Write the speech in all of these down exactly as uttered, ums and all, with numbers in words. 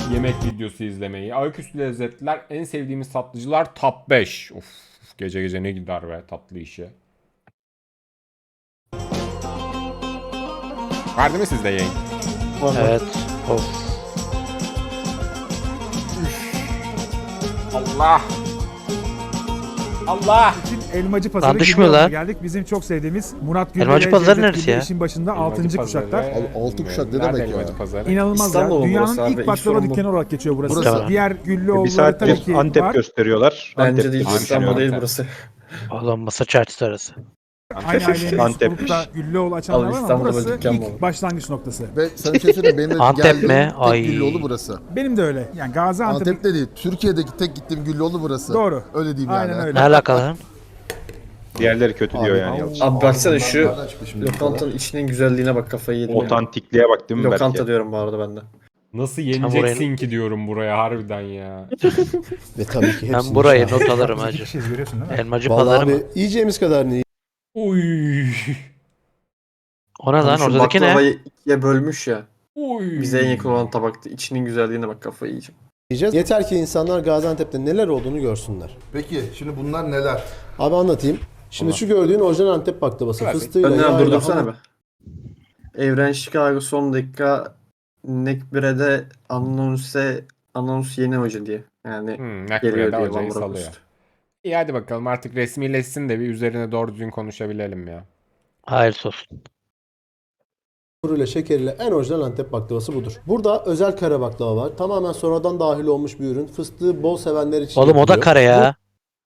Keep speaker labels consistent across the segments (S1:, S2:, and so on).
S1: yemek videosu izlemeyi. Ayaküstü lezzetler, en sevdiğimiz tatlıcılar top beş. Of, gece gece ne gider be tatlı işi. Var değil mi sizde yayın?
S2: Evet. Of.
S1: Allah! Allah!
S3: Elmacı Pazarı
S2: Lan düşmüyor
S3: Güllüoğlu'na
S2: lan.
S3: geldik. Bizim çok sevdiğimiz Murat Güllü
S2: Elmacı
S3: ve
S2: Pazarı
S3: Cevdet
S2: neresi
S3: Güllü
S2: ya?
S3: işin başında altıncı
S1: Elmacı
S3: kuşaklar.
S1: Pazarı.
S4: Abi, altı kuşak ne
S1: Nerede
S4: demek ya?
S1: Elmacı Pazarı?
S3: İnanılmaz
S5: İstanbul
S3: ya. Dünyanın
S5: burası abi,
S3: ilk
S5: ilk
S3: baklava
S5: sorun bu.
S3: dükkanı olarak geçiyor burası.
S2: Burası.
S3: Diğer
S6: Bir
S3: Güllüoğulları tabii
S6: saattir
S3: ki
S6: Antep
S3: var.
S6: gösteriyorlar.
S5: Bence
S6: Antep
S5: değil,
S1: Antep,
S5: İstanbul
S1: Antep.
S5: değil burası.
S2: Oğlum masa çarşısı arası.
S3: Aynı ailenin
S6: Antep.
S3: olup da Güllüoğlu açanlar
S5: Al
S3: var ama
S5: İstanbul'da
S3: burası
S5: böyle dükkan
S3: ilk
S5: var.
S3: başlangıç noktası.
S4: Ve sana bir şey söyleyeyim, benim de
S2: Antep
S4: geldiğim
S2: mi?
S4: tek
S2: Ay.
S4: Güllüoğlu burası.
S3: Benim de öyle. Yani Gaziantep.
S4: Antep'te değil, Türkiye'deki tek gittiğim Güllüoğlu burası.
S3: Doğru.
S4: Öyle diyeyim
S3: Aynen
S4: yani.
S3: öyle.
S2: Ne alakalı?
S6: Diğerleri kötü diyor
S4: Abi,
S6: yani.
S4: abi,
S6: yalnız.
S5: Abi baksana şu
S4: Nereden çıktı şimdi bu
S5: lokantanın içinin güzelliğine bak, kafayı yedim. ya.
S6: Otantikliğe bak değil mi
S5: Lokanta
S6: belki?
S5: diyorum bu arada ben de.
S1: Nasıl yeneceksin ki diyorum buraya harbiden ya.
S7: Ve tabii ki
S2: Ben
S7: hepsini
S2: burayı
S7: şahit.
S2: not alırım
S3: Biz iki
S2: hacı.
S3: kişiyiz, görüyorsun değil mi?
S2: Elmacı
S7: Vallahi
S2: pazarı mı?
S7: abi yiyeceğimiz kadar ne
S1: Uy.
S2: O ne lan?
S5: Şu
S2: Oradaki ne?
S5: baklavayı ikiye bölmüş ya.
S1: Uy.
S5: Bize en yakın olan tabakta. İçinin güzelliğine bak, kafayı yiyeceğim.
S7: yiyeceğiz? Yeter ki insanlar Gaziantep'te neler olduğunu görsünler.
S4: Peki, şimdi bunlar neler?
S7: Abi anlatayım. Şimdi şu gördüğün orijinal Antep baklavası.
S1: Klasik.
S7: Fıstığıyla,
S5: Önden
S7: yağıyla,
S5: durdursana
S7: hamur-
S5: be. Evren Chicago son dakika Nekbire'de anonse anons yeni hoca diye. Yani
S1: Hmm,
S5: geliyor
S1: Nakbire'de
S5: diye
S1: hocayı
S5: Van
S1: salıyor.
S5: Bronckhorst.
S1: İyi hadi bakalım artık resmileşsin de bir üzerine doğru düzgün konuşabilelim ya.
S2: Hayır olsun.
S7: hamuruyla, şekeriyle en orijinal Antep baklavası budur. Burada özel kare baklava var. Tamamen sonradan dahil olmuş bir ürün. Fıstığı bol sevenler için
S2: Oğlum o da
S7: yapılıyor.
S2: kare ya.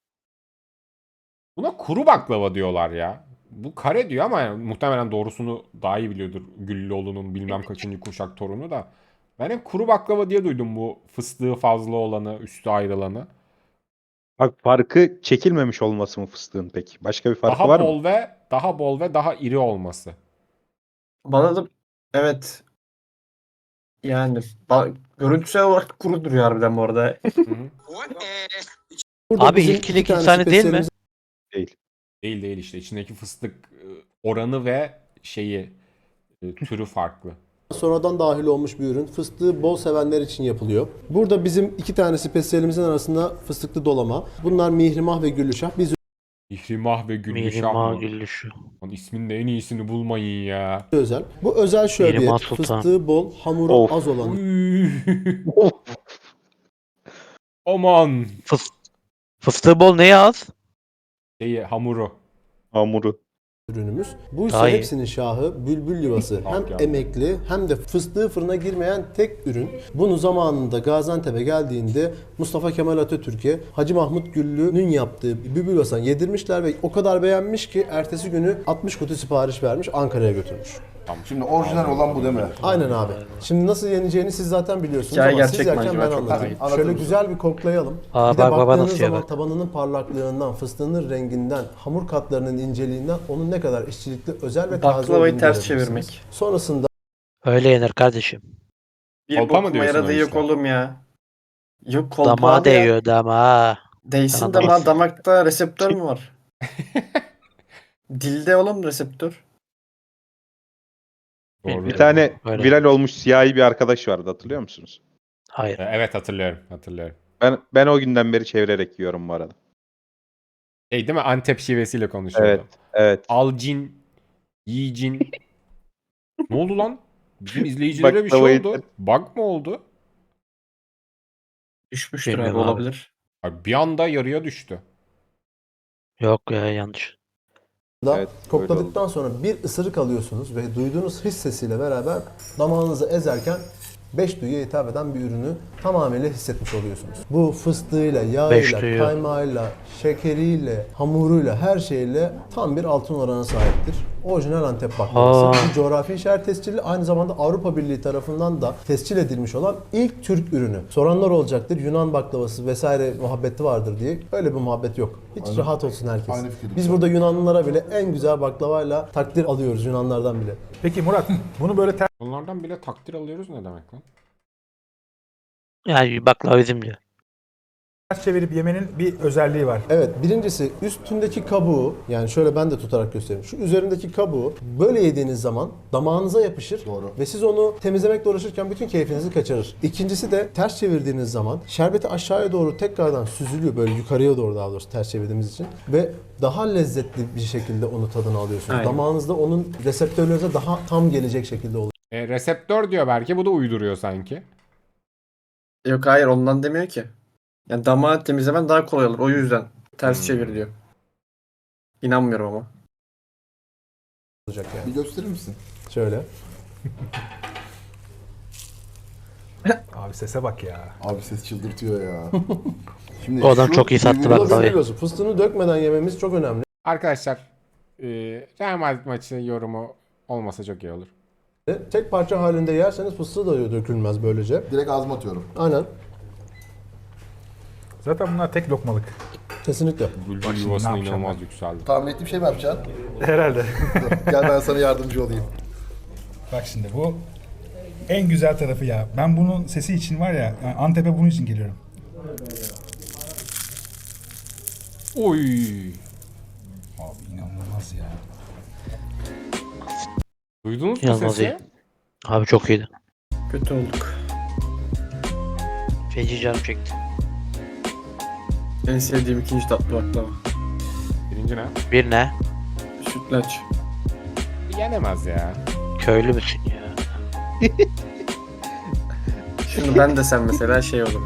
S1: Buna kuru baklava diyorlar ya. Bu kare diyor ama yani muhtemelen doğrusunu daha iyi biliyordur Güllüoğlu'nun bilmem kaçıncı kuşak torunu da. Ben hep kuru baklava diye duydum bu fıstığı fazla olanı, üstü ayrılanı.
S6: Bak farkı çekilmemiş olması mı fıstığın peki? Başka bir farkı
S1: Daha
S6: var
S1: bol
S6: mı?
S1: ve daha bol ve daha iri olması.
S5: Bana da evet, yani ba- görüntüsel olarak kuru duruyor harbiden bu arada.
S1: Hı hı.
S7: Burada
S2: Abi
S7: bizim
S2: ilkilik
S7: iki tane
S2: insani değil mi?
S7: spesiyelimiz
S6: Değil.
S1: Değil değil işte içindeki fıstık e, oranı ve şeyi e, türü farklı.
S7: sonradan dahil olmuş bir ürün. Fıstığı bol sevenler için yapılıyor. Burada bizim iki tane spesiyelimizin arasında fıstıklı dolama. Bunlar mihrimah ve güllüşah. Biz
S1: İhrimah ve Güllüşah
S2: Mihrimah
S1: mı?
S2: Güllüşü.
S1: Lan ismin de en iyisini bulmayın ya.
S7: özel. Bu özel şöbiyet.
S2: Mihrimah Sultan.
S7: Fıstığı bol, hamuru
S6: Of.
S7: az olan
S1: Uy.
S6: Of.
S1: Aman.
S2: Fıs Fıstığı bol neye az?
S1: Şeyi, hamuru.
S6: Hamuru.
S7: ürünümüz. Bu ise
S2: Daha iyi.
S7: hepsinin şahı, bülbül yuvası. Hem
S1: ya.
S7: emekli hem de fıstığı fırına girmeyen tek ürün. Bunu zamanında Gaziantep'e geldiğinde Mustafa Kemal Atatürk'e Hacı Mahmut Güllü'nün yaptığı bülbül yuvasını yedirmişler ve o kadar beğenmiş ki ertesi günü altmış kutu sipariş vermiş, Ankara'ya götürmüş.
S4: Şimdi orijinal olan bu değil mi?
S7: Aynen abi. Şimdi nasıl yeneceğini siz zaten biliyorsunuz
S5: Hikaye
S7: ama siz
S5: gerçek mi
S7: yerken
S5: acaba?
S7: ben
S5: Çok
S7: anlatayım.
S4: merak
S7: Şöyle
S4: ediyorum.
S7: güzel bir koklayalım.
S2: Aa,
S7: bir de
S2: bak baba
S7: baktığınız
S2: nasıl ya
S7: zaman
S2: bak.
S7: tabanının parlaklığından, fıstığının renginden, hamur katlarının inceliğinden onun ne kadar işçilikli, özel ve taze
S5: Baklavayı
S7: olduğunu
S5: ters
S7: görebilirsiniz.
S5: çevirmek.
S7: Sonrasında
S2: Öyle yenir kardeşim.
S5: Bir
S1: Kolpa mı
S5: bokuma
S1: diyorsun
S5: yaradığı
S1: o
S5: yok
S1: işte?
S5: oğlum ya. Yok kolpa
S2: Damağa
S5: abi ya.
S2: değiyor damağa.
S5: Değsin
S2: Sana
S5: damağa,
S2: değsin.
S5: damakta reseptör mü var? Dilde oğlum reseptör.
S1: Doğru.
S6: Bir tane
S2: Öyle.
S6: viral olmuş siyahi bir arkadaş vardı, hatırlıyor musunuz?
S2: Hayır.
S1: E, Evet hatırlıyorum. Hatırlıyorum.
S6: Ben ben o günden beri çevirerek yiyorum bu arada.
S1: Şey değil mi? Antep şivesiyle konuşuyordu.
S6: Evet. Evet.
S1: Alcin, yiyicin. Ne oldu lan? Bizim izleyicilere bir şey
S6: Baklavayı-
S1: oldu. Bug mı oldu?
S5: Düşmüştür abi,
S2: Bilmiyorum abi.
S5: olabilir.
S1: Abi bir anda yarıya düştü.
S2: Yok ya yanlış.
S7: da
S6: Evet,
S7: kokladıktan sonra bir ısırık alıyorsunuz ve duyduğunuz his sesiyle beraber damağınızı ezerken beş duyuya hitap eden bir ürünü tamamıyla hissetmiş oluyorsunuz. Bu fıstığıyla,
S2: Beş
S7: yağıyla,
S2: duyu.
S7: kaymağıyla, şekeriyle, hamuruyla, her şeyle tam bir altın oranına sahiptir. Orijinal Antep baklavası.
S2: Aa.
S7: Bu coğrafi işaret tescilli, aynı zamanda Avrupa Birliği tarafından da tescil edilmiş olan ilk Türk ürünü. Soranlar olacaktır, Yunan baklavası vesaire muhabbeti vardır diye. Öyle bir muhabbet yok. Hiç rahat olsun herkes.
S4: Aynı fikirdeyim.
S7: Biz burada Yunanlılara bile en güzel baklavayla takdir alıyoruz, Yunanlardan bile.
S3: Peki Murat, bunu böyle ter-
S1: Bunlardan bile takdir alıyoruz ne demek lan?
S2: Yani baklava bizim diyor.
S3: ters çevirip yemenin bir özelliği var.
S7: Evet, birincisi üstündeki kabuğu, yani şöyle ben de tutarak göstereyim. Şu üzerindeki kabuğu böyle yediğiniz zaman damağınıza yapışır.
S4: Doğru.
S7: Ve siz onu temizlemekle uğraşırken bütün keyfinizi kaçırır. İkincisi de ters çevirdiğiniz zaman şerbeti aşağıya doğru tekrardan süzülüyor, böyle yukarıya doğru daha doğrusu ters çevirdiğimiz için ve daha lezzetli bir şekilde onu tadını alıyorsunuz.
S5: Aynen.
S7: Damağınızda onun reseptörlerinize daha tam gelecek şekilde oluyor.
S1: E, reseptör diyor belki, bu da uyduruyor sanki.
S5: Yok hayır ondan demiyor ki. Yani damağı temizlemen daha kolay olur. O yüzden ters
S1: Hmm.
S5: çevir diyor. İnanmıyorum ama.
S7: olacak yani.
S4: Bir gösterir misin?
S7: Şöyle.
S3: Abi sese bak ya.
S4: Abi ses çıldırtıyor ya. Şimdi
S2: O adam
S4: şu
S2: çok iyi sattı
S4: birbirine-
S2: bak
S7: Nasıl
S2: tabii.
S7: biliyorsun? Fıstığını dökmeden yememiz çok önemli.
S1: Arkadaşlar e, Real Madrid maçı yorumu olmasa çok iyi olur.
S7: Tek parça halinde yerseniz fıstığı da dökülmez böylece.
S4: Direkt ağzıma atıyorum.
S7: Aynen.
S3: Zaten bunlar tek lokmalık.
S7: Kesinlikle.
S1: Bülbül
S3: şimdi
S1: yuvasına
S3: ne yapacağım
S1: inanılmaz yükseldi.
S4: Tahmin ettiğim şey mi yapacaksın?
S3: Herhalde.
S4: Gel ben sana yardımcı olayım.
S3: Bak şimdi bu en güzel tarafı ya. Ben bunun sesi için var ya, yani Antep'e bunun için geliyorum.
S1: Oy.
S3: Abi inanılmaz ya.
S1: Duydunuz mu
S2: İnanılmaz
S1: sesi?
S2: iyi. Abi çok iyiydi.
S5: Kötü olduk.
S2: Feci canım çekti.
S5: En sevdiğim ikinci tatlı baklava.
S1: Birinci ne?
S2: Bir ne?
S5: Sütlaç.
S1: Yenemez ya.
S2: Köylü müsün ya?
S5: Şimdi ben de sen mesela şey olur.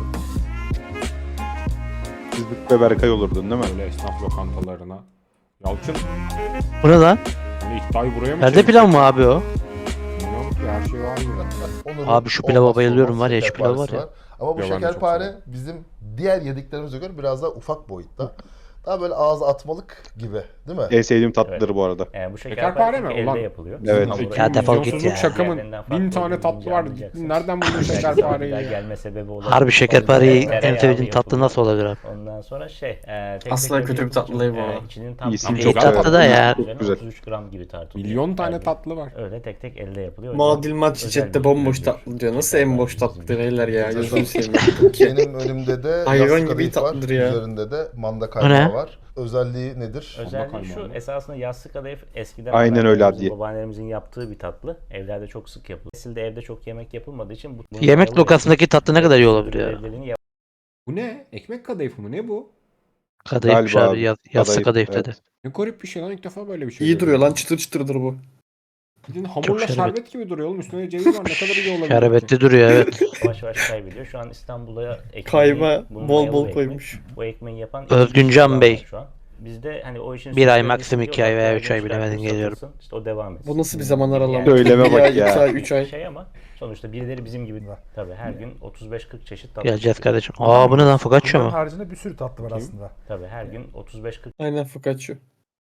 S6: Zıt ve Berkay olurdun değil mi?
S1: Böyle esnaf lokantalarına. Yalçın
S2: Bu ne lan?
S1: hani iddiayı buraya mı
S2: Perde
S1: çekti?
S2: pilav mı abi o?
S1: Bilmiyorum ki, her şey var mı?
S4: Onların
S2: Abi şu pilava
S4: olmazsa
S2: bayılıyorum
S4: olmaz
S2: var ya, şu pilav
S4: şekerparesi
S2: var ya.
S4: Ama bu
S1: Ya ben de çok
S4: şekerpare
S1: severim.
S4: bizim diğer yediklerimize göre biraz daha ufak boyutta. Daha böyle ağza atmalık gibi değil mi?
S6: En sevdiğim tatlıdır bu arada.
S8: Yani bu
S1: Şekerpare
S8: şekerpare
S1: mi?
S8: mi? Elde
S1: Ulan.
S8: yapılıyor.
S6: Evet.
S8: Hamuru
S2: Ya defol git
S1: Milyonsuzluk
S2: ya.
S1: şakamın
S8: Diğerlerinden farklı
S1: bin tane
S8: olduğunu
S1: tatlı var.
S8: anlayacaksın.
S1: Nereden buldun
S8: Belki
S1: şekerpareyi
S8: daha
S1: ya?
S8: gelme sebebi olabilir.
S2: Harbi şekerpareyi
S8: Tereyağlı
S2: en sevdiğin tatlı
S8: yapılıyor.
S2: nasıl olabilir abi?
S8: Ondan sonra şey, e, tek
S5: Asla
S8: tek
S5: kötü bir
S8: yapıldığı
S5: tatlı değil bu
S8: için, e,
S5: arada.
S8: içinin tam
S6: İyisi
S8: tam
S6: çok
S8: tatlı
S2: tatlı da ya.
S8: üzerine
S6: Güzel.
S8: otuz üç gram gibi tartılıyor.
S1: Milyon tane
S8: Her gün
S1: tatlı var.
S8: Öyle tek tek elde yapılıyor.
S5: Muadil maç
S8: Özel
S5: chatte
S8: bir
S5: bomboş
S8: üründür.
S5: tatlı diyor. Nasıl en boş tatlı
S8: Şekerpare
S5: beyler ya?
S4: Güzel.
S5: Gözünü seveyim.
S4: Benim önümde de
S5: Hayvan
S4: yassı
S5: gibi
S4: kadayıf var.
S5: tatlıdır ya.
S4: Üzerinde de manda
S2: ne?
S4: kaymağı var. Özelliği nedir?
S8: Özelliği
S1: Bakalım
S8: şu,
S1: abi.
S8: esasında yassı kadayıf eskiden
S6: Aynen öyle
S8: anneannemizin,
S6: Hadiye.
S8: babaannemizin yaptığı bir tatlı. Evlerde çok sık yapılır. Nesilde evde çok yemek yapılmadığı için bu, bunun
S2: Yemek
S8: dayalı
S2: lokasındaki tatlı ne kadar iyi olabilir ya?
S8: görevlerini yap-
S1: Bu ne? Ekmek kadayıfı mı? Ne bu?
S2: Kadayıfmış
S6: Galiba
S2: abi. Ya, yassı
S6: kadayıf,
S2: kadayıf
S6: evet.
S2: dedi.
S1: Ne garip bir şey lan, ilk defa böyle bir şey
S5: İyi duruyor
S1: görüyorum.
S5: lan, çıtır çıtırdır bu.
S1: Bildiğin hamurla
S2: şerbet.
S1: şerbet gibi duruyor oğlum. Üstüne ceviz var. Ne kadar iyi olabilir ki?
S2: Şerbetli duruyor evet.
S8: yavaş yavaş kaybediyor. Şu an İstanbul'a ekmeği,
S5: Kayma
S8: bunun
S5: bol
S8: mayalı
S5: bol
S8: ekmek.
S5: koymuş.
S8: Bu ekmeği yapan
S2: Özgüncan
S8: iki
S2: Bey.
S8: var şu an. Bizde hani o işin
S2: Bir ay,
S8: sürekli
S2: maksimum iki
S8: diyorlar
S2: ay veya
S8: ki,
S2: üç ay
S8: gençler
S2: bilemedim,
S8: satılsın,
S2: geliyorum.
S8: İşte o devam etsin.
S5: Bu nasıl bir zaman aralama?
S8: Yani
S6: Söyleme
S5: Bir
S6: bak
S5: ay,
S6: ya.
S5: iki ay, üç ay.
S8: Şey ama sonuçta birileri bizim gibi tabii her gün otuz beş kırk çeşit tatlı.
S2: Geleceğiz
S8: çıkıyor.
S2: kardeşim. Aa bu ne lan, focaccia
S3: Bunların
S2: mı?
S3: haricinde bir sürü tatlı var aslında.
S8: Tabii her gün otuz beş kırk
S5: Aynen focaccia.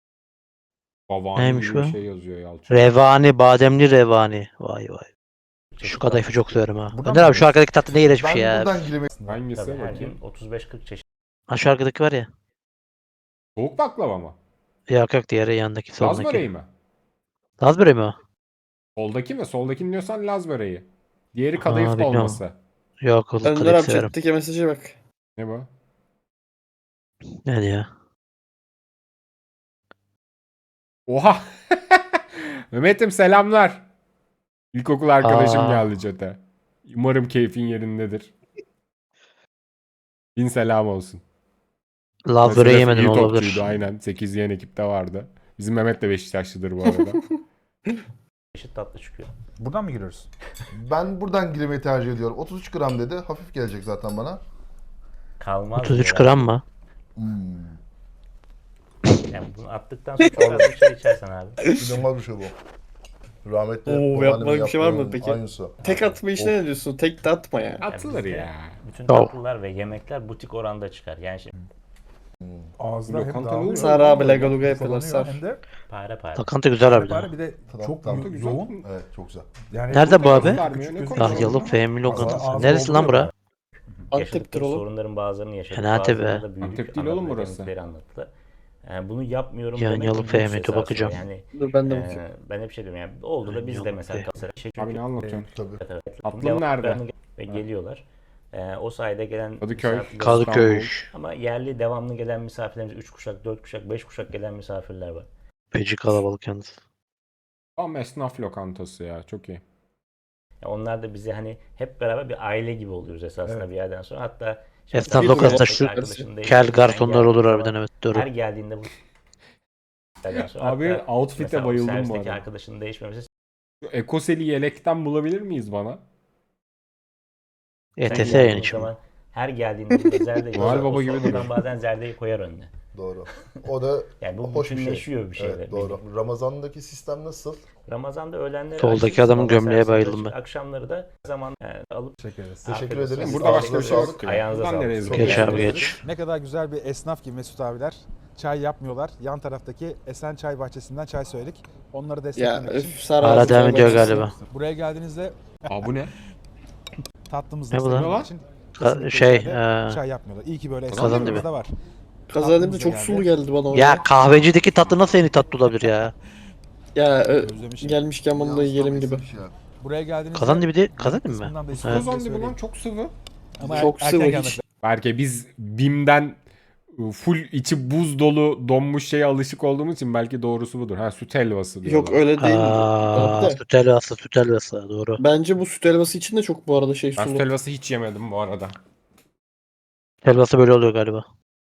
S1: Bavani
S2: Neymiş
S1: gibi bir
S2: bu?
S1: şey yazıyor Yalçın.
S2: Revani, bademli revani. Vay vay.
S8: çeşit
S2: Şu kadayıfı
S8: tatlı
S2: çok
S8: çıkıyor.
S2: severim ha.
S3: Buradan
S2: Önder
S3: mı
S2: abi şu arkadaki tatlı ne iğrenç bir
S4: Ben
S2: şey ya.
S4: buradan girmek
S1: Hangisi
S8: Tabii her
S1: bakayım?
S8: gün otuz beş kırk çeşit
S2: Ha şu arkadaki var ya.
S1: Soğuk baklava mı?
S2: Yok yok, diğeri yanındaki
S1: Laz
S2: soldaki.
S1: böreği mi?
S2: Laz böreği mi o?
S1: Soldaki mi? Soldakini diyorsan Laz böreği. Diğeri kadayıf
S2: bilmiyorum.
S1: dolması.
S2: Yok o
S5: Önder
S2: kadayıf
S5: abi
S2: severim.
S5: chatteki mesaja bak.
S1: Ne bu?
S2: Ne diyor?
S1: Oha! Mehmet'im selamlar. İlkokul arkadaşım
S2: Aa.
S1: geldi chat'e. Umarım keyfin yerindedir. Bin selam olsun.
S2: Laz
S1: Mesela
S2: böreği yemedin
S1: iyi
S2: olabilir.
S1: topçuydu, aynen. sekiz yiyen ekipte vardı. Bizim Mehmet de Beşiktaşlıdır bu arada.
S8: çeşit tatlı çıkıyor.
S3: Buradan mı giriyoruz?
S4: Ben buradan girmeyi tercih ediyorum. otuz üç gram dedi. Hafif gelecek zaten bana.
S8: Kalmaz.
S2: otuz üç
S8: diyorlar.
S2: gram mı?
S4: Hmm.
S8: Yani bunu attıktan sonra çok az bir şey içersen abi.
S4: İnanılmaz bir şey bu. Rahmetli
S5: Oo,
S4: babaannemin
S5: yapmalık bir şey var mı
S4: yaptığının
S5: peki?
S4: Aynısı.
S5: Tek atma işine ne diyorsun? Tek de atma ya.
S1: Atılır
S8: bizde
S1: ya.
S8: Bütün
S2: Tamam.
S8: tatlılar ve yemekler butik oranda çıkar. Yani şimdi
S3: Ağızda hem
S1: Lokanta
S3: dağılıyor.
S1: olur.
S5: Sar abi
S3: hem
S5: lagaluga yapıyorlar
S3: ufalanıyor,
S5: sar.
S3: Hem de
S8: pare pare.
S2: Lokanta güzel abi.
S3: bari bir de
S4: Tamam,
S3: çok
S4: tamam.
S3: yo-
S1: Güzel.
S3: yoğun.
S4: Evet çok güzel.
S3: Yani
S2: Nerede bu abi?
S1: Vermiyor, ne
S3: Küçük
S1: konuşuyor?
S2: Dahyalı Fehmi lokantası.
S3: Ağzı
S2: Neresi lan
S3: dolduruyor.
S2: bura?
S5: Antep'tir
S8: Yaşadıkları
S5: oğlum.
S8: sorunların bazılarını yaşadık.
S2: Fena tabii.
S8: bazılarında da büyüdük.
S1: Antep değil oğlum
S8: Anladık,
S1: burası.
S8: dedikleri anlattı. Yani bunu yapmıyorum
S2: Yan
S8: demek
S2: yalı
S8: bir lüks
S2: Fehmet'e
S8: esasında.
S2: bakacağım.
S8: Yani
S5: Dur ben de
S8: e,
S5: bakayım.
S8: ben hep şey diyorum yani oldu da
S2: Yan
S8: biz de
S2: yalı
S8: mesela
S2: Fehmet.
S8: Galatasaray şey
S1: Abi ne
S8: çünkü
S1: anlatıyorsun?
S4: Tabii.
S8: evet,
S1: Tatlım
S8: devamlı
S1: nerede?
S8: ve geliyorlar. Ee, o sayede gelen
S1: Kadıköy.
S8: misafirler-
S2: Kadıköy.
S8: Ama yerli devamlı gelen misafirlerimiz üç kuşak, dört kuşak, beş kuşak gelen misafirler var.
S2: Feci kalabalık yalnız.
S1: Tam esnaf lokantası ya. Çok iyi.
S8: Ya onlar da bize hani hep beraber bir aile gibi oluyoruz esasında
S3: Evet.
S8: bir yerden sonra. Hatta
S2: Esnaf
S8: bir
S2: lokantası
S8: arkadaşın
S2: şu
S8: değiştirdiği
S2: kel
S8: zaman
S2: garsonlar
S8: geldiği
S2: olur
S8: zaman
S2: harbiden, evet doğru.
S8: Her geldiğinde bu yerden sonra
S1: Abi,
S8: hatta
S1: outfit'e
S8: mesela o
S1: bayıldım bu
S8: servisteki
S1: arada.
S8: arkadaşının değişmemesi
S1: Şu Ekoseli yelekten bulabilir miyiz bana?
S2: E T S
S8: sen
S2: yayın
S8: geldiğin
S2: için mi?
S8: zaman her geldiğinde burada zerdeyi
S1: Noel
S8: o
S1: Baba gibi
S8: sofradan
S1: duruyor.
S8: bazen zerdeyi koyar önüne.
S4: Doğru. O da
S8: Yani bu
S4: hoş bir şey.
S8: bütünleşiyor bir şeyler.
S4: Evet, doğru. Ramazan'daki sistem nasıl?
S8: Ramazan'da öğlenleri
S2: Soldaki
S8: açık,
S2: adamın
S8: sabah
S2: gömleğe
S8: servisi
S2: bayıldım
S8: açık,
S2: ben.
S8: Akşamları da zaman yani alıp
S3: Teşekkür ederiz.
S4: Teşekkür
S8: afiyet olsun.
S4: ederiz.
S1: Burada başka bir şey
S4: Ağzınıza
S1: yok. ki.
S8: Ayağınıza
S1: Buradan
S8: sağlık.
S1: nereye
S8: Çok
S2: Geç
S1: gidiyoruz?
S2: abi geç.
S3: Ne kadar güzel bir esnaf ki Mesut abiler. Çay yapmıyorlar. Yan taraftaki Esen Çay Bahçesi'nden çay söyledik. Onları
S5: Ya
S3: desteklemek
S5: öf,
S3: için.
S5: Sara
S2: Hala
S5: ağzı
S2: devam
S5: çay
S2: ediyor
S5: bahçesi.
S2: galiba.
S3: Buraya geldiğinizde
S1: Aa bu ne?
S3: tatlımızı
S2: Ne bu lan?
S3: desteklemek için
S2: Ka-
S3: kesinlikle
S2: şey,
S3: içeride
S2: eee,
S3: çay yapmıyorlar. İyi ki böyle
S2: Kazan
S3: esnaflarımız
S2: dibi.
S3: da var.
S5: Kazanım da çok
S3: Tatlımıza
S5: sulu
S3: geldi.
S5: geldi bana orada.
S2: Ya kahvecideki tatlı nasıl en iyi tatlı olabilir ya?
S5: Ya ö-
S3: Özlemişim.
S5: gelmişken bunu da yiyelim gibi.
S3: Buraya geldiğinizde
S2: Kazan dibi değil, kazan dibi mi?
S3: kısmından da
S2: Evet.
S3: istedim
S1: Ozan
S3: diye
S1: dibi lan
S3: söyleyeyim.
S1: çok sıvı.
S3: Ama
S5: Çok
S3: erken
S5: sıvı
S3: gelmek
S5: hiç.
S1: Belki biz BİM'den ıı, full içi buz dolu donmuş şeye alışık olduğumuz için belki doğrusu budur. Ha süt helvası diyorlar.
S5: Yok öyle değil.
S2: Aa,
S5: de.
S2: süt helvası, süt helvası doğru.
S5: Bence bu süt helvası için de çok bu arada şey
S1: Ben süt
S5: sulu.
S1: helvası hiç yemedim bu arada.
S2: Helvası böyle oluyor galiba.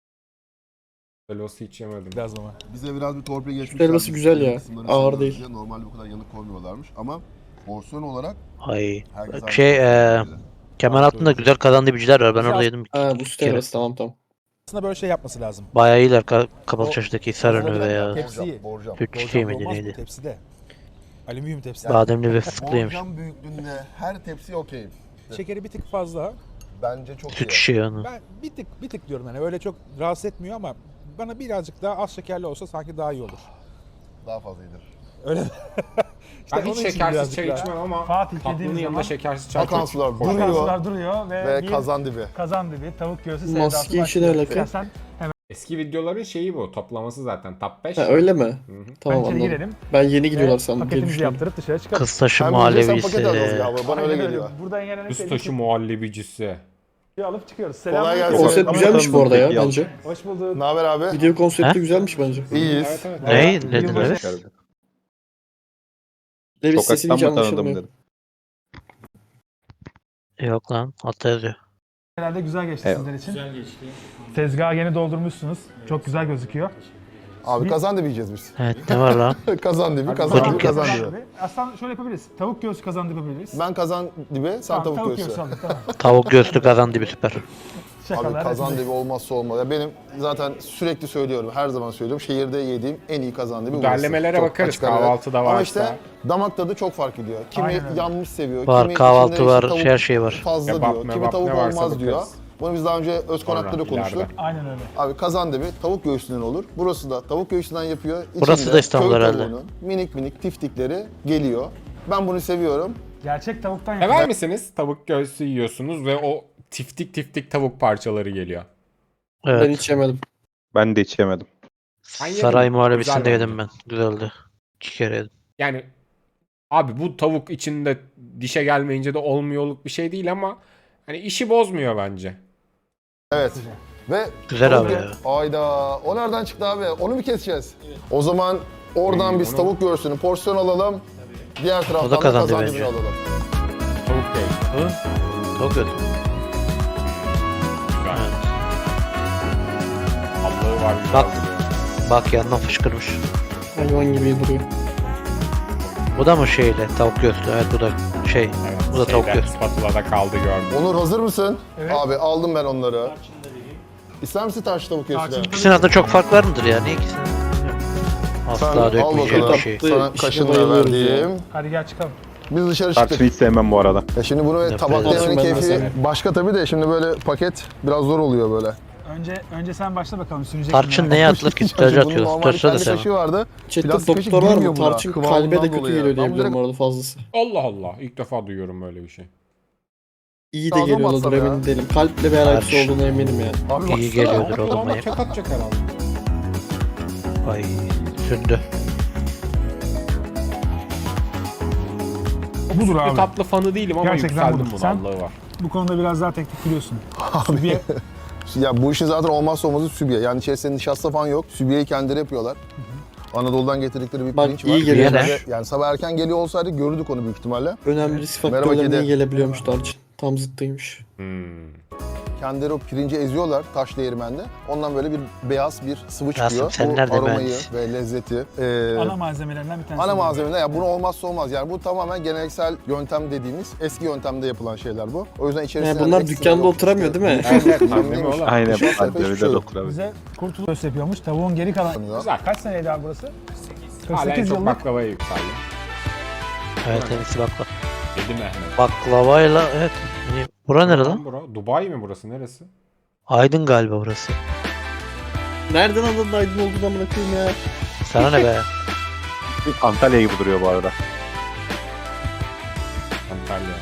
S1: Süt helvası hiç yemedim.
S3: Biraz ama.
S9: Bize biraz bir torpil geçmiş.
S5: helvası güzel ya. Ağır değil.
S9: Normalde bu kadar yanık koymuyorlarmış ama porsiyon olarak
S2: Ay.
S9: herkes
S2: Şey,
S9: aynı.
S2: eee Kemal altında güzel kazan dibiciler var. Ben orada yedim.
S5: Ha bu süt
S2: kere.
S5: helvası tamam tamam.
S3: Aslında böyle şey yapması lazım.
S2: Bayağı iyiler ka- kapalı
S3: O-
S2: çarşıdaki Sarönü veya
S3: Tepsiyi.
S4: Borcam.
S2: süt
S3: Borcam
S2: çiçeği
S3: da
S2: miydi
S3: olmaz bu
S2: neydi?
S3: Tepside. Alüminyum tepside.
S2: Bademli ve fıstıklıymış.
S9: Borcam büyüklüğünde her tepsi okey.
S3: Şekeri bir tık fazla.
S4: Bence çok
S2: Süt
S4: iyi.
S2: çiçeği onu.
S3: Ben bir tık bir tık diyorum yani öyle çok rahatsız etmiyor ama bana birazcık daha az şekerli olsa sanki daha iyi olur.
S9: Daha fazla iyidir.
S3: Öyle.
S1: Ben
S3: onun
S1: hiç
S3: için
S1: şekersiz
S3: birazcık
S1: çay
S3: daha-
S1: içmem ama
S10: Fatih
S1: tatlının
S10: dediğimiz
S1: yanında
S10: zaman
S1: şekersiz çay çok
S4: Vakanslar duruyor
S10: Vakanslar duruyor ve,
S4: ve
S10: bir
S4: kazan dibi.
S10: kazan dibi, tavuk göğsü
S5: Maske
S10: sevdası
S5: işi ne
S10: başlıyor.
S5: alaka?
S10: İstersen
S1: Eski videoların şeyi bu. Toplaması zaten. Top beş.
S5: Ha öyle mi?
S1: Hı hı.
S5: Tamam
S10: içeri
S5: anladım.
S10: girelim
S5: Ben yeni
S10: ve
S5: gidiyorlar sandım. diye
S10: paketimizi
S5: düşündüm.
S10: yaptırıp dışarı çıkalım.
S2: Kıstaşı
S4: Hem yiyeceksen paket alacağız
S2: muhallebisi.
S4: galiba. Bana öyle
S10: Aynen
S4: geliyor.
S10: Buradan gelen en
S1: Kıstaşı
S10: sevdiğim
S1: muhallebicisi.
S10: şeyi alıp çıkıyoruz.
S4: Kolay
S10: Selamünaleyküm.
S4: gelsin.
S5: Konsept güzelmiş bu arada ya bence.
S10: Hoş bulduk.
S4: Ne haber abi?
S5: Video konsepti
S2: Ha?
S5: güzelmiş bence.
S4: İyiyiz.
S1: Evet, evet.
S2: Ne? Nedir
S10: Yılbaşı-
S2: evet?
S5: Levis sesini hiç
S6: Sokaktan mı tanıdım
S5: anlaşılmıyor.
S6: dedim.
S2: Yok lan altta yazıyor.
S10: Herhalde güzel geçti
S6: Evet.
S10: sizler için. Güzel geçti. Tezgahı yeni doldurmuşsunuz. Çok güzel gözüküyor.
S4: Abi kazan dibi yiyeceğiz biz.
S2: Evet ne var lan?
S4: Kazan dibi, kazan
S2: Puding
S4: dibi, kazan
S2: yapmış.
S4: dibi.
S10: Aslında şöyle yapabiliriz. Tavuk göğsü kazandı yapabiliriz.
S4: Ben kazan dibi, sen
S10: Tamam,
S4: tavuk göğsü.
S10: aldık tamam.
S2: Tavuk göğsü kazan dibi süper.
S4: Abi
S10: Şakalar.
S4: kazan dibi olmazsa olmaz. Ya benim zaten sürekli söylüyorum, her zaman söylüyorum. Şehirde yediğim en iyi kazan dibi burası.
S1: Derlemelere
S4: Çok
S1: bakarız
S4: açık ara.
S1: kahvaltıda
S4: Ama
S1: varsa.
S4: işte damak tadı çok fark ediyor. Kimi
S10: Aynen öyle.
S4: yanmış seviyor,
S2: Var,
S4: kimi
S2: kahvaltı
S4: içinde
S2: var,
S4: işte tavuk
S2: her şey var.
S4: fazla
S1: Kebap,
S4: diyor, kimi
S1: mebap,
S4: tavuk
S1: ne varsa
S4: olmaz diyor.
S1: bakarız.
S4: Bunu biz daha önce öz konakta da
S1: Sonra,
S4: konuştuk.
S1: ileride.
S10: Aynen öyle.
S4: Abi kazan dibi tavuk göğsünden olur. Burası da tavuk göğsünden yapıyor.
S2: Burası
S4: İçinde
S2: da İstanbul
S4: köy
S2: herhalde.
S4: tavuğunun minik minik tiftikleri geliyor. Ben bunu seviyorum.
S10: Gerçek tavuktan yapılıyor.
S1: Sever misiniz? Tavuk göğsü yiyorsunuz ve o tiftik tiftik tavuk parçaları geliyor.
S5: Ben
S2: Evet.
S5: hiç yemedim.
S6: Ben de hiç yemedim.
S1: Ben yedim.
S2: Saray
S1: Güzel
S2: muhallebisinde
S1: bence.
S2: yedim ben. Güzeldi. İki kere yedim.
S1: Yani abi bu tavuk içinde dişe gelmeyince de olmuyorluk bir şey değil ama hani işi bozmuyor bence.
S4: Evet. Ve
S2: Güzel
S4: tavuk
S2: abi
S4: gö-
S2: ya.
S4: Ayda o nereden çıktı abi? Onu mu keseceğiz? O zaman oradan
S1: İyi,
S4: biz
S1: onu-
S4: tavuk göğsünü porsiyon alalım. Diğer taraftan da
S2: kazandı
S4: kazan
S2: bence.
S4: dibini alalım.
S1: Tavuk göğsü.
S2: Tavuk göğsü.
S1: Güzel. Allah'ı var. güzel
S2: Bak.
S1: duruyor.
S2: Bak yandan fışkırmış.
S5: Hayvan gibi duruyor.
S2: Bu da mı şeyle tavuk göğsü? Evet bu da şey.
S1: Evet,
S2: Bu da tavuk
S1: şeyden,
S2: göğsü.
S1: spatula'da kaldı gördüm.
S4: Onur hazır mısın?
S10: Evet.
S4: Abi aldım ben onları. İster misin tarçın tavuk göğsü de?
S10: Tarçın-
S2: İkisinin arasında çok fark var mıdır ya? Niye ikisinin?
S4: Sen
S2: Asla
S4: al
S2: dökmeyeceğim
S4: bakalım.
S2: bir şey.
S4: Sana
S5: İşte
S4: kaşınla
S5: bayılıyoruz
S4: verdiğim.
S10: Hadi gel çıkalım.
S4: Biz dışarı
S6: Tarçını
S4: çıktık.
S6: hiç sevmem bu arada.
S4: Ya şimdi bunu
S2: Nefret
S4: tabakta
S5: ederim.
S4: yemenin
S5: Ben de
S4: keyfi
S5: sevmem.
S4: başka tabii de şimdi böyle paket biraz zor oluyor böyle.
S10: Önce önce sen başla bakalım. Sürecek
S2: Tarçın
S10: mi?
S2: neye atılır ki? Sütlacı
S4: Bunun
S2: atıyor.
S4: normal
S2: Sütlacı da
S4: kendi
S2: sevmem.
S4: kaşığı vardı.
S5: Chatte
S4: Plastik kaşık
S5: doktor var
S4: girmiyor
S5: mı?
S4: buna.
S5: Tarçın
S4: Kıvamından
S5: kalbe de kötü
S4: dolayı.
S5: geliyor
S4: Ben
S5: diyebilirim
S4: direkt-
S5: bu arada fazlası.
S1: Allah Allah. İlk defa duyuyorum böyle bir şey.
S5: İyi de
S4: Ağzıma
S5: geliyordur
S4: batsam ya.
S5: emin değilim. Kalple bir alakası
S2: Tarçın.
S5: olduğuna eminim yani.
S4: Abi
S2: İyi
S4: baksana.
S2: geliyordur o da
S1: Ama
S2: manyak.
S1: tek atacak herhalde.
S2: Ay sündü.
S10: Budur
S1: Bir
S10: abi.
S1: tatlı fanı değilim ama
S10: Gerçekten
S1: yükseldim
S10: budur.
S1: buna
S10: Sen?
S1: Allah'ı var.
S3: bu konuda biraz daha teknik biliyorsun. Sübye
S9: Ya bu işin zaten olmazsa olmazı sübye. Yani içerisinde nişasta falan yok. Sübyeyi kendileri yapıyorlar. Anadolu'dan getirdikleri bir
S5: Bak,
S9: pirinç var.
S5: iyi geliyor.
S2: Yener.
S9: Yani sabah erken geliyor olsaydı görürdük onu büyük ihtimalle.
S5: Önemli risk
S9: Merhaba
S5: faktörlerine
S9: kedi.
S5: iyi gelebiliyormuş tarçın. Tam zıttıymış.
S1: Hmm.
S9: Kendileri o pirinci eziyorlar taş değirmende. Ondan böyle bir beyaz bir sıvı çıkıyor.
S2: Rasim, sen
S9: bu
S2: nerede
S9: aromayı
S2: mühendis?
S9: ve lezzeti. e,
S3: ana malzemelerinden bir tanesi.
S9: Ana malzemeler ya bunu olmazsa olmaz. Yani bu tamamen geleneksel yöntem dediğimiz eski yöntemde yapılan şeyler bu. O yüzden içerisinde
S5: Yani bunlar
S9: ekstra
S5: dükkanda
S9: yok.
S5: oturamıyor değil mi?
S9: Evet,
S1: Değil mi
S9: neymiş?
S1: oğlum?
S6: Aynen.
S9: Nişasta yapıyor, hiçbir
S6: Pandemide
S9: şey
S6: de
S9: yok.
S6: okurabilir.
S3: Bize kurtuluş köfte yapıyormuş. Tavuğun geri kalan.
S1: Güzel.
S3: Kaç seneydi abi burası?
S1: Hala en
S3: kırk sekiz
S1: çok
S3: yıllık.
S1: baklavaya yükseldi.
S2: Evet en iyisi baklava.
S1: Yedi Mehmet.
S2: Baklavayla evet. Hani, bura nere lan?
S1: Bura? Dubai mi burası? Neresi?
S2: Aydın galiba burası.
S5: Nereden anladın Aydın olduğunu amına koyayım ya?
S2: Sana ne be?
S6: Antalya gibi duruyor bu arada.
S1: Antalya.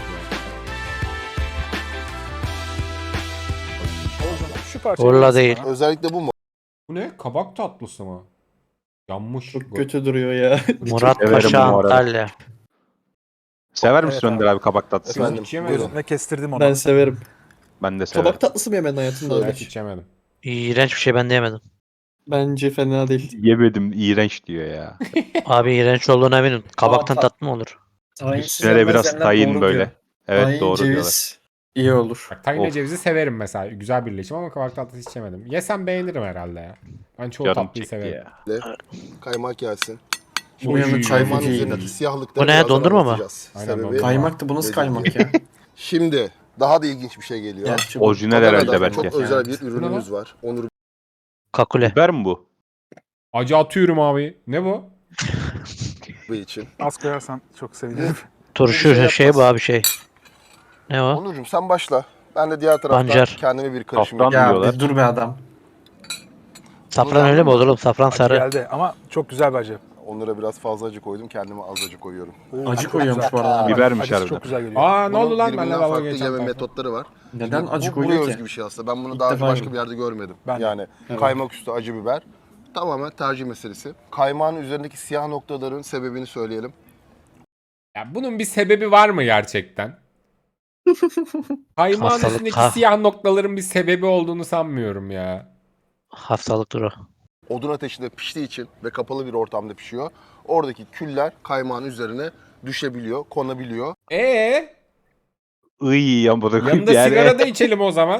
S3: Şu parçayı
S2: Urla
S3: verirsin
S2: değil.
S3: bana.
S9: Özellikle bu mu?
S1: Bu ne? Kabak tatlısı mı? Yanmış.
S5: Çok
S1: bu.
S5: kötü duruyor ya.
S2: Murat
S6: severim
S2: Paşa
S6: bu arada.
S2: Antalya.
S6: Sever misin
S3: Evet
S6: Önder abi kabak tatlısı?
S9: Efendim,
S1: Hiç yemedim.
S9: buyurun.
S3: Ve kestirdim onu.
S5: Ben severim.
S6: Ben de severim.
S5: Kabak tatlısı mı yemedin hayatında
S1: Ben
S5: öyle?
S1: hiç yemedim.
S2: İğrenç bir şey ben de yemedim.
S5: Bence fena değil.
S6: Yemedim, iğrenç diyor ya.
S2: Abi iğrenç olduğuna eminim. Kabaktan
S5: Aa, ta-
S2: tatlı mı olur?
S6: Üstüne de biraz tayin böyle. Evet
S5: Tayin,
S6: doğru diyorlar.
S5: ceviz iyi olur.
S1: Bak, tahinle
S6: Of.
S1: cevizi severim mesela. Güzel birleşim ama kabak tatlısı hiç yemedim. Yesem beğenirim herhalde ya. Ben çoğu
S6: Canım
S1: tatlıyı
S6: çekti
S1: severim.
S6: ya.
S9: Kaymak gelsin.
S5: Bu yanında çay
S9: Kaymak
S5: çok iyi.
S9: üzerindeki siyahlıkları
S2: Bu ne,
S9: birazdan
S2: dondurma mı?
S9: anlatacağız.
S1: Aynen,
S9: Sebebi-
S1: dondurma.
S5: Kaymak da bu nasıl
S9: Dediğim
S5: kaymak
S9: gibi.
S5: ya?
S9: Şimdi daha da ilginç bir şey geliyor.
S5: Gerçi bu.
S6: Orijinal
S9: Adana'da
S6: herhalde belki.
S9: çok özel bir ürünümüz var. Onur
S2: Kakule.
S6: Biber mi bu?
S1: Acı atıyorum abi. Ne bu?
S9: Bey için.
S3: Az koyarsan çok sevinirim.
S2: Turşu
S9: Bir şey
S2: şey,
S9: yapmaz.
S2: bu abi şey. Ne o?
S9: Onurcuğum sen başla. Ben de diğer taraftan
S2: Pancar.
S9: kendime bir karışım
S6: Kaftan
S9: yapayım.
S5: Ya
S6: diyorlar.
S5: bir dur be adam.
S2: Safran öyle mi olur oğlum? Safran sarı.
S3: Geldi ama çok güzel bir acı.
S9: Onlara biraz fazla acı koydum. Kendime az acı koyuyorum.
S5: Acı koyuyormuş bu arada.
S6: Bibermiş
S3: Acısı
S6: harbiden.
S3: çok güzel geliyor.
S1: Aa ne oldu
S9: Bunun
S1: lan?
S9: birbirinden
S1: Benle dalga
S9: farklı
S1: geçen
S9: yeme
S1: tayfa.
S9: metotları var.
S5: Neden
S9: Şimdi
S5: acı
S9: bu, buraya
S5: koyuyor
S9: özgü
S5: ki?
S9: bir şey aslında. Ben bunu
S5: İlk
S9: daha önce
S5: defa
S9: başka
S5: yedim.
S9: bir yerde görmedim.
S3: Ben de.
S9: Yani
S5: Evet.
S9: kaymak üstü acı biber. Tamamen tercih meselesi. Kaymağın üzerindeki siyah noktaların sebebini söyleyelim.
S1: Ya bunun bir sebebi var mı gerçekten? Kaymağın
S2: Hastalık,
S1: üstündeki
S2: ha.
S1: siyah noktaların bir sebebi olduğunu sanmıyorum ya.
S2: Hastalıktır o.
S9: Odun ateşinde piştiği için ve kapalı bir ortamda pişiyor. Oradaki küller kaymağın üzerine düşebiliyor, konabiliyor.
S1: Ee,
S6: Iy ya bu da
S1: yanında
S6: yani.
S1: sigara da içelim o zaman.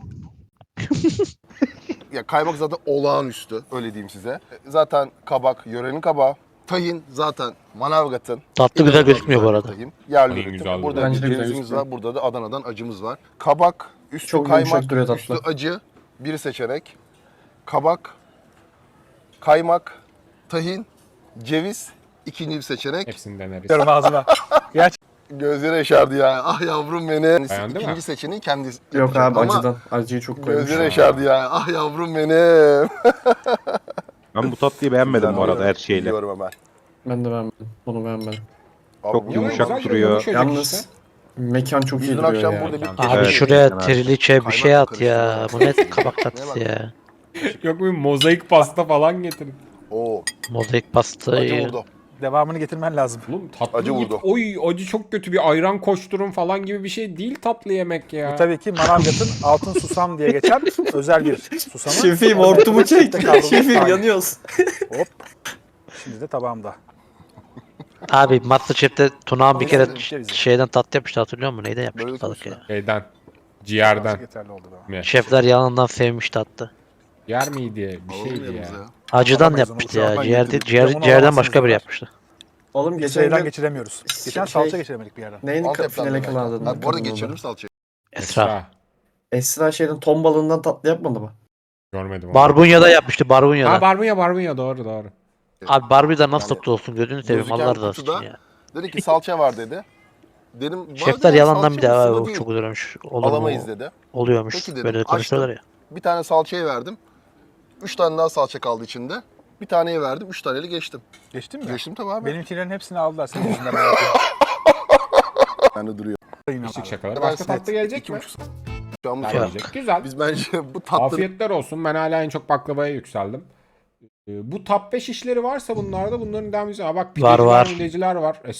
S9: Ya kaymak zaten olağanüstü, öyle diyeyim size. Zaten kabak, yörenin kabağı. Tahin zaten Manavgat'ın.
S2: Tatlı güzel
S9: inanılmaz
S2: gözükmüyor bu
S9: güzel
S2: arada.
S9: bir tahin. Yerli
S1: Tahin
S9: üretim.
S1: güzel
S9: Burada
S1: duruyor.
S5: Bence
S9: bir
S5: de güzel
S9: cevizimiz
S5: gözüküyor.
S9: var, burada da Adana'dan acımız var. Kabak, üstü
S5: Çok yumuşak
S9: kaymak,
S5: duruyor tatlı.
S9: üstü acı, bir seçenek. Kabak, kaymak, tahin, ceviz, ikinci bir seçenek.
S1: Hepsini deneriz.
S3: Diyorum ağzıma.
S9: Gözleri yaşardı ya. Ah yavrum benim.
S1: Beğendi
S9: İkinci
S1: mi?
S9: seçeneği kendi
S5: Yok
S9: yapacak.
S5: abi
S9: Ama
S5: acıdan. Acıyı çok koymuş.
S9: gözleri yaşardı ya. Ah yavrum benim.
S6: Ben bu tatlıyı beğenmedim bu arada her şeyle.
S9: Biliyorum hemen.
S5: Ben de beğenmedim. Bunu beğenmedim.
S9: Abi
S6: Çok
S9: bu-
S6: yumuşak
S1: Güzel
S6: duruyor.
S1: yumuşacık
S5: Yalnız
S1: işte.
S5: mekan çok
S9: Biz
S5: iyi
S9: dün
S5: duruyor
S9: akşam
S5: ya.
S9: burada bir
S2: Abi
S6: Evet,
S2: şuraya
S6: evet.
S2: triliçe bir şey
S9: Kaymakla
S2: at ya. Bu ne kabak tatlısı ya.
S1: Yok bir mozaik pasta falan getirin.
S9: Oo,
S2: Mozaik
S9: acı
S2: pastayı.
S9: vurdu.
S3: Devamını getirmen lazım.
S1: Oğlum tatlı
S9: Acı
S1: yiyip,
S9: vurdu.
S1: oy acı çok kötü bir ayran koşturun falan gibi bir şey değil tatlı yemek ya.
S3: Bu tabii ki Manavgat'ın altın susam diye geçen özel bir susamı.
S5: Şefim
S3: Orada
S5: hortumu çek.
S3: tek kavrulmuş
S5: Şefim
S3: tahin.
S5: yanıyoruz.
S3: Hop. Şimdi de tabağımda.
S2: Abi Masterchef'te Tunağan bir kere
S3: Güzel bir şey bize.
S2: şeyden tatlı yapmıştı, hatırlıyor musun? Neyden
S9: Böyle
S2: yapmıştı balık ya?
S9: konuşma.
S1: Şeyden. Ciğerden.
S3: Yeterli oldu daha.
S1: Mi?
S2: Şefler yalandan sevmişti hatta.
S1: Yer miydi? Bir
S9: Alalım
S1: şeydi ya.
S9: yanımıza ya.
S2: Acıdan
S3: Alamayız onu,
S2: yapmıştı ya.
S3: uçağından
S2: Ciğer,
S3: getirdik.
S2: ciğer,
S3: Bir de onu
S2: ciğerden
S3: alamazsınız
S2: başka biri
S3: diyorlar.
S2: yapmıştı.
S5: Oğlum geçen
S3: Şeyden
S5: gün
S3: geçiremiyoruz. Geçen
S5: Şey-
S3: salça geçiremedik bir yerden.
S5: neydi
S9: Antep'ten
S5: finale
S9: de
S5: kalan
S9: belki.
S5: adını?
S9: Ha, bu arada
S5: kadının
S9: geçirdim
S5: adı?
S9: salçayı.
S2: Esra.
S5: Esra şeyden ton balığından tatlı yapmadı mı?
S1: Görmedim onu.
S2: Barbunya'da yapmıştı, Barbunya'da.
S1: Ha barbunya barbunya doğru doğru.
S2: Abi Barbie'den nasıl
S9: Yani
S2: tatlı olsun, gözünü seveyim
S9: gözüken
S2: Allah razı
S9: kutuda-
S2: olsun ya.
S9: Dedi ki salça var dedi. Dedim "Var
S2: Şefler
S9: dedi,
S2: yalandan
S9: salça
S2: bir de
S9: mı,
S2: abi
S9: sıvı
S2: bu
S9: değil.
S2: çok güzelmiş. Olur
S9: Alamayız
S2: mu?
S9: dedi.
S2: Oluyormuş.
S9: Peki dedim,
S2: Böyle de konuşuyorlar ya.
S9: Bir tane salçayı verdim. Üç tane daha salça kaldı içinde. Bir taneyi verdim. Üç taneli geçtim.
S3: Geçtin mi?
S9: Geçtim tabii abi.
S3: Benimkilerin hepsini aldılar senin yüzünden. hayatım.
S9: Ben de duruyor.
S3: Yine
S1: Küçük
S3: abi.
S1: şakalar.
S9: Ben
S1: Başka
S9: size
S1: tatlı gelecek
S9: iki
S1: mi?
S9: buçuk Şu an bu
S1: Gelecek.
S9: söyleyecek.
S1: Güzel.
S9: Biz bence bu tatlı
S1: Afiyetler olsun. Ben hala en çok baklavaya yükseldim. Ee, Bu top beş işleri varsa bunlarda bunların devam ediyor. Aa, bak pideciler,
S2: var.
S1: mideciler var.